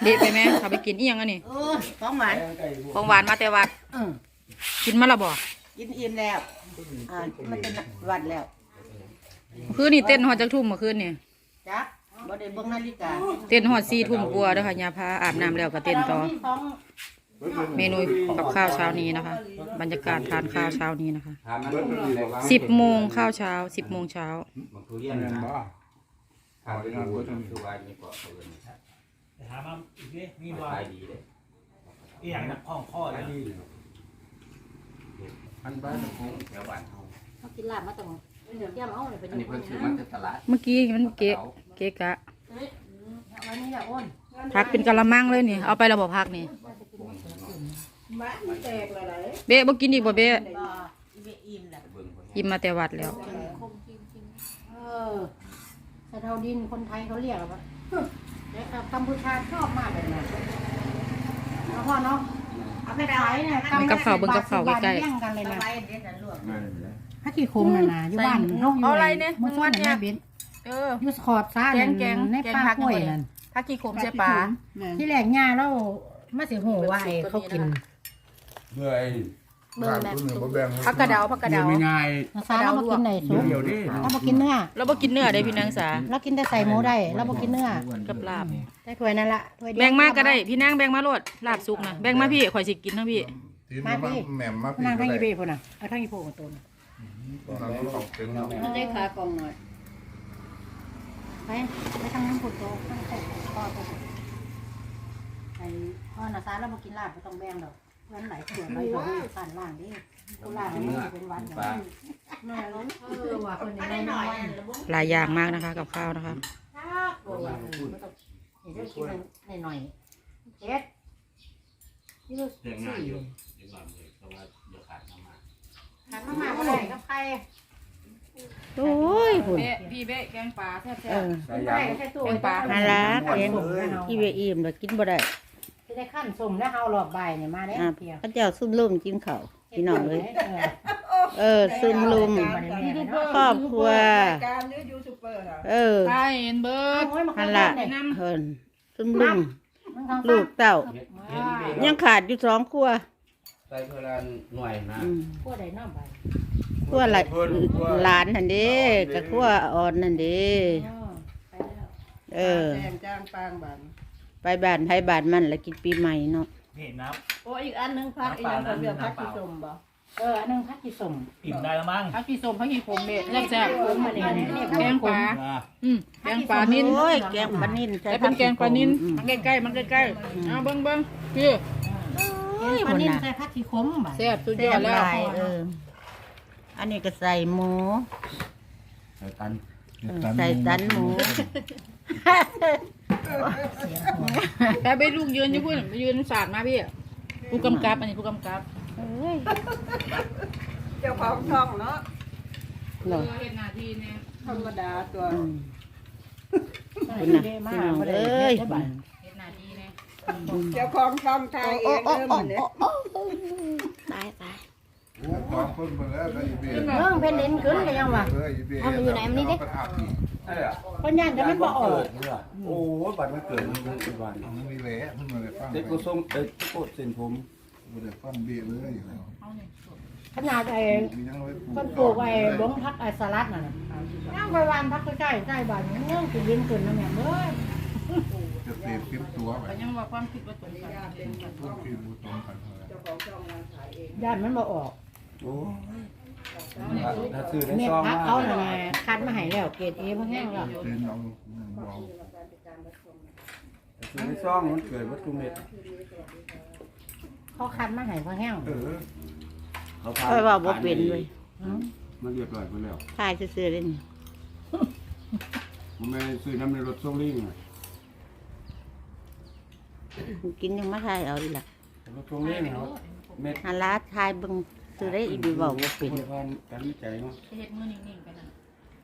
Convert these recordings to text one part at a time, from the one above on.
เด็ดไปไหมเขาไปกินอีหยังอันนี้ของหวานของหวานมาแต่วัดกินมาและบ่กินอิ่มแล้วมันเป็นวัดแล้วคืนนี่เต้นหอดจักทุ่มเมื่อคืนนี่จ้ะบ่ได้เบิ่งนาฬิกาเต้นหอด4 ทุ่มกว่าเด้อค่ะยาพาอาบน้ำแล้วก็เต้นต่อเมนูกับข้าวเช้านี้นะคะ บรรยากาศทานข้าวเช้านี้นะคะ10 โมงข้าวเช้า10 โมงเช้าถามมาอีกนิดมีว่าอีอย่างนักข้องข้อแล้วอันบ้านของแถวบ้านเขากินลาบมาตั้งเดี๋ยวย่ามาเอาเลยไปดูอันนี้เพิ่นซื้อมาจากตลาดเมื่อกี้มันเกะกะวันนี้อย่าอ้นพักเป็นกะละมังเลยนี่เอาไประบบพักนี่เบ๊ะบ่กินอีกบ่เบ๊ะอิ่มมาแต่วัดแล้วสะเทาดินคนไทยเขาเรียกว่ากัมพูชาชอบมากเลยนะแล้วพ่อเนาะเอาไปขายเนี่ยกับข้าวเบิ่งกับข้าวใกล้ๆกันเลยนะถ้าขี้คมนะอยู่บ้านนกอยู่อะไรเนี่ยมึงวัดเนี่ยยูสคอร์ดซ่าในปลาห้วยนั่นถ้าขี้คมใช่ปลาที่แหลกหญ้าแล้วมาสิหัวว่าเขากินเมื่อไอ้ผักกระเดาไม่ง่ายซาเราบ่กินไหนสุกเราบ่กินเนื้อเราบ่กินเนื้อได้พี่นางสาเรากินแต่ใส่หมูได้เราบ่กินเนื้อกับลาบได้ถ้วยนั่นละถ้วยแบ่งมากก็ได้พี่นางแบ่งมาโลดลาบสุกนะแบ่งมาพี่ข่อยสิกินทั้งพี่มาพี่นางทั้งอีเบ้พุ่นน่ะเอาทั้งอีโพกับตัวมันได้ขากองหน่อยไปทางนั้นพุ่นโตตั้งแต่พ่อตัวไอ้พ่อน่ะซาเราบ่กินลาบบ่ต้องแบ่งดอกเงินไหลขวดไหลขวดสั่นล่างดิกูล่างนี่เป็นวันอย่างนี้ว่าคนนี้หน่อยหลายอย่างมากนะคะกับข้าวนะคะเดี๋ยวกินหน่อยเฮ็ดนี่ดูสิขาดมาก็ได้กับใครโอ้ยพี่เบ๊แกงปลาแซ่บแกงปลาฮาลาแกงอีเบอิ่มแล้วกินบ่ได้ได้ขั้นสุ่มแล้วเฮาหลอกใบเนี่ยมาได้เพียงพระเจ้าซุ่มลุ่มจิ้มเขาพี่น้องเลยซุ่มลุ่มครอบครัวใช่เห็นเบิร์ดฮันละซุ่มลุ่มลูกเต่ายังขาดอยู่2 ครัวใส่เพื่อหน่วยนะครัวใดน้ำใบครัวหลานนั่นเด้กับครัวอ่อนนั่นเด้จ้างปางบ้านไปบ้านไทยบ้านมันแล้วกินปีใหม่เนาะนี่น้ำโอ้อีกอันนึงพักอีกอย่างคนเดียวพักกี่สมบ่อันนึงพักกี่สมอิ่มได้แล้วมั้งพักกี่สมพักกี่ขมเบ็ดแซ่บขมมาเนี่ยแกงปลาแกงปลานิ่นโอ้ยแกงปลานิ่นแต่เป็นแกงปลานิ่นมันใกล้ๆมันใกล้ๆเอาเบิ้งพี่ปลานิ่นใส่พักกี่ขมบ่แซ่บสุดยอดแล้วอันนี้ก็ใส่หมูใส่ตันหมูแต่ไปลูกยืนอยู่พุ่นไปยืนศาสตร์มาพี่ผู้กำกับอันนี้ผู้กำกับเจ้าของช่องเนาะเห็นหน้าที่เนี่ยธรรมดาตัวคุณนะพี่น้องเอ้ยเห็นหน้าที่เนี่ยเจ้าของช่องไทยเองเนี่ยตายเพนเด่นขึ้นกันยังวะเอาไปอยู่ไหนมันนี่ดิเพราะย่านจะมันบอกโอ้บัตรมันเกิดมันเป็นวันมันมีเละมันมาเลยฟังเด็กกูส่งโคตรเส้นผมมันเลยฟังเบี้ยเลยขนาดไอ้ต้นปลูกไอ้บ้งพักไอ้สลัดน่ะย่างไปวันพักใกล้บ้านเงี้ยคือยินขึ้นนะแม่เอ้ยจะเปลี่ยนคลิปตัวไปยังว่าความคิดว่าตรงกันย่านมันบอกออกโอ้ถ้าซื้อได้ซองเขาหน่อยคัดมาให้แล้วเกรดเอพวกนี้แล้วซื้อได้ซองมันเกิดวัตถุเม็ดเขาคัดมาให้พวกแห้งเขาว่าบ่เป็นเลยมันเรียบร้อยไปแล้วขายซื้อๆเลยนี่มันไม่ซื้อน้ำในรถส่งลิงกินยังไม่ทายเอาดีละรถส่งลิงเม็ดฮันลาทายบึงซื้อได้อีกดีบอกว่าเป็นการวิจัยเนาะเฮ็ดมือนิ่งๆกันนะ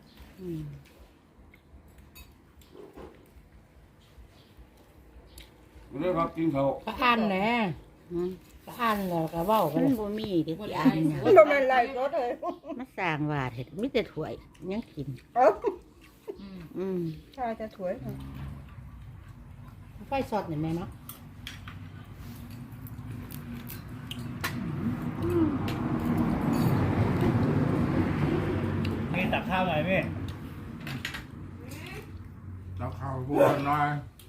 เรื่องครับกินเขาก็อ่านแหละก็อ่านแล้วก็เว้ากันมันบ่มีที่อ่านเนี่ยบ่แม่นไรก็เด้อมาสร้างวาดเฮ็ดมีแต่ถ้วยยังกินใช่จะถวยไฟสดเนี่ยแม่เนาะนี่ตักข้าวหน่อยพี่แล้วข้าวพวกน้อย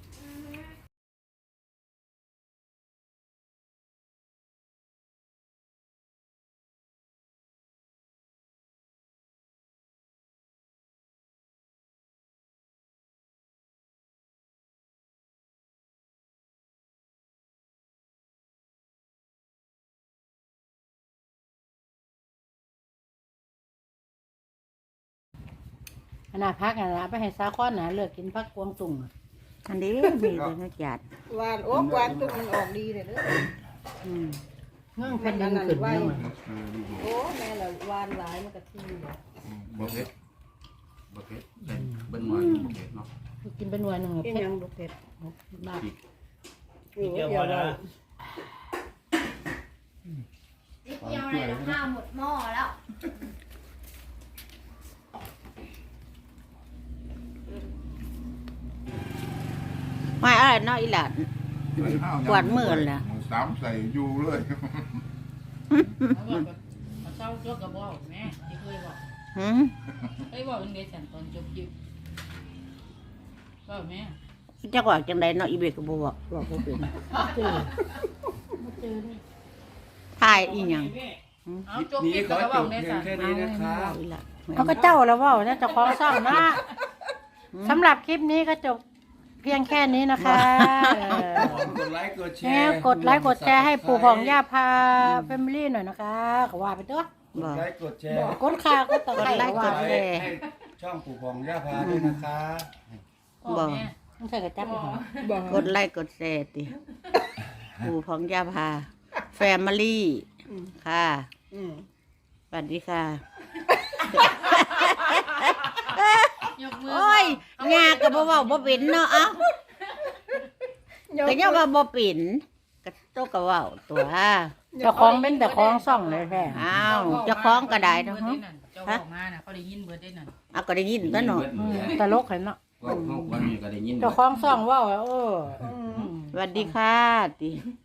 ขนาดพักนะไปให้ซาค้อนนะเลิกกินพักกวางตุ่งอันนี้มีแต่นักจัดหวานโอ้หวานจุกมันออกดีเลยเด้อเงื่อนแผ่นดินขึ้นเนี่ยมันโอ้แม่ละหวานหลายมันก็ที่เลยบ่เผ็ดบ่เผ็ดแต่เบิ่งหน่อยบ่เผ็ดเนาะกินเป็นหน่วยหนึ่งเป็นเผ็ดยังลูกเผ็ดมากโอ้เกี่ยวเดี๋พยอวนะเราเกี่ยวอะไรกับข้าวหมดหม้อแล้วไม่อะไรเนาะอีหลาน กวาดมือล่ะสามใส่อยู่เลยเศร้าจบกับบอกแม่ที่เคยบอกหืมเคยบอกเป็นเดชันตอนจบยิบบอกแม่จักว่าจังไดเนาะอีเบกก็บ่บอกบ่เป็นเจอทายอีหยังเอาจบยิบกับบอกเดชันเอาอีหลานเขาก็เจ้าแล้วว่าเนี่ยเจะคล้าของซ่องนะสำหรับคลิปนี้ก็จบเพียงแค่นี้นะคะเออกดไลค์กดแชแม่ร์กดไลค์กดแชร์ให้ปู่ของย่าพาแฟมิลี่หน่อยนะคะก็ว่าไปตัวกบ่ดไลค์กดแชร์กดค่าก็ตะไคร้กดไลค์ว่ากดแชร์ให้ช่องปู่พองย่าพาด้วยนะคะบ่ต้องใส่กระจับอีกเหรอกดไลค์กดแชร์ติปู่ของย่าพาแฟมิลี่ค่ะอืมสวัสดีค่ะยกมือโอ้ยงาก็บ่เว้าบ่เป็นเนาะเอ้าก็ยังว่าบ่เป็นก็โตก็เว้าตัวเจ้าของเป็นแต่ของซ่องเลยแท้อ้าวเจ้าของก็ได้เนาะเจ้าบอกมาน่ะเขาได้ยินเบิดได้นั่นเอาก็ได้ยินตัวเนาะตลกเห็นเนาะก็วันนี้ก็ได้ยินเจ้าของซ่องว่ามสวัสดีค่ะติ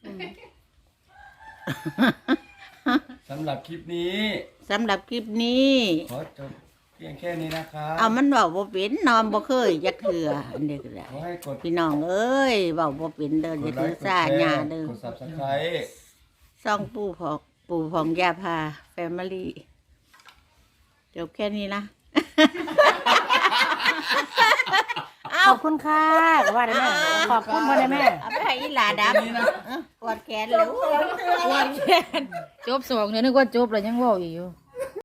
สำหรับคลิปนี้สำหรับคลิปนี้ขอจบเพียงแค่นี้นะครับเอามันเว้าบ่เป็นนอนบ่เคยจักเทื่ออันนี้ก็ได้ขอให้กดพี่น้องเอ้ยเว้าบ่เป็นเด้ออย่าถือสาหญ้าเด้อกด Subscribe ซ่องปู่ของย่าพาแฟมิลี่จบแค่นี้นะขอบคุณค่ะว่าได้แม่ขอบคุณพ่อได้แม่เอาไปให้อีหลาดำกอดแขนแล้วจบ2เดี๋ยวนึกว่าจบแล้วยังเว้าอีกอยู่